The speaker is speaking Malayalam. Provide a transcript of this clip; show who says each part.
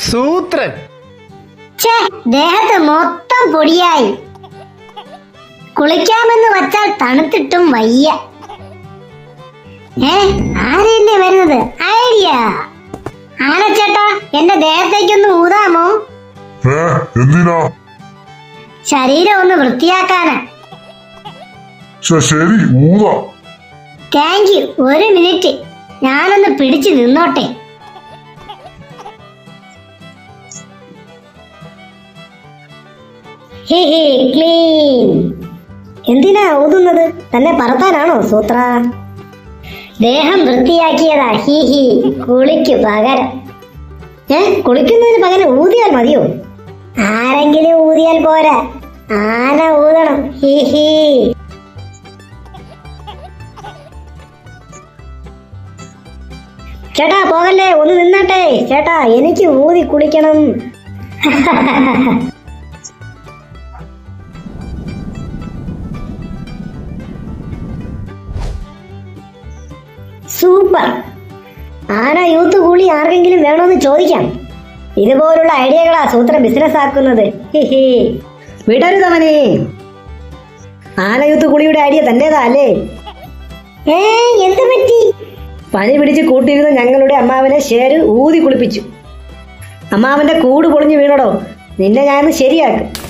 Speaker 1: സൂത്രൻ.
Speaker 2: ദേഹത്ത് മൊത്തം പൊടിയായി. കുളിക്കാമെന്ന് വച്ചാൽ തണുത്തിട്ടും വയ്യ. ആരെന്നെ വരുന്നത്? ഐഡിയ. ആനച്ചേട്ടാ, എന്റെ ദേഹത്തേക്കൊന്ന് ഊതാമോ?
Speaker 3: എന്തിനാ?
Speaker 2: ശരീരം ഒന്ന് വൃത്തിയാക്കാനാ.
Speaker 3: ശരി, ഊതാ.
Speaker 2: Thank you. ഒരു മിനിറ്റ്, ഞാനൊന്ന് പിടിച്ചു നിന്നോട്ടെ. ക്ലീൻ. എന്തിനാ ഊതുന്നത്? തന്നെ പറത്താനാണോ സൂത്ര? ദേഹം വൃത്തിയാക്കിയതാ. കുളിക്കു പകരം. കുളിക്കുന്നതിന് പകരം ഊതിയാൽ മതിയോ? ആരെങ്കിലും ഊതിയാൽ പോരാ, ആന ഊതണം. ചേട്ടാ പോകല്ലേ, ഒന്ന് നിന്നാട്ടെ. ചേട്ടാ, എനിക്ക് ഊതി കുളിക്കണം. സൂപ്പർ. ആന യൂത്ത് കൂലി ആർക്കെങ്കിലും വേണമെന്ന് ചോദിക്കാം. ഇതുപോലുള്ള ഐഡിയകളാ സൂത്ര ബിസിനസ് ആക്കുന്നത്.
Speaker 4: വിടരുതവനെ. ആന യൂത്ത് കുളിയുടെ ഐഡിയ തന്റേതാ അല്ലേ?
Speaker 2: എന്ത് പറ്റി?
Speaker 4: പനി പിടിച്ച് കൂട്ടിയിരുന്ന ഞങ്ങളുടെ അമ്മാവനെ ഷേര് ഊതി കുളിപ്പിച്ചു. അമ്മാവന്റെ കൂട് പൊളിഞ്ഞു വീണടോ. നിന്നെ ഞാൻ ശരിയാക്കും.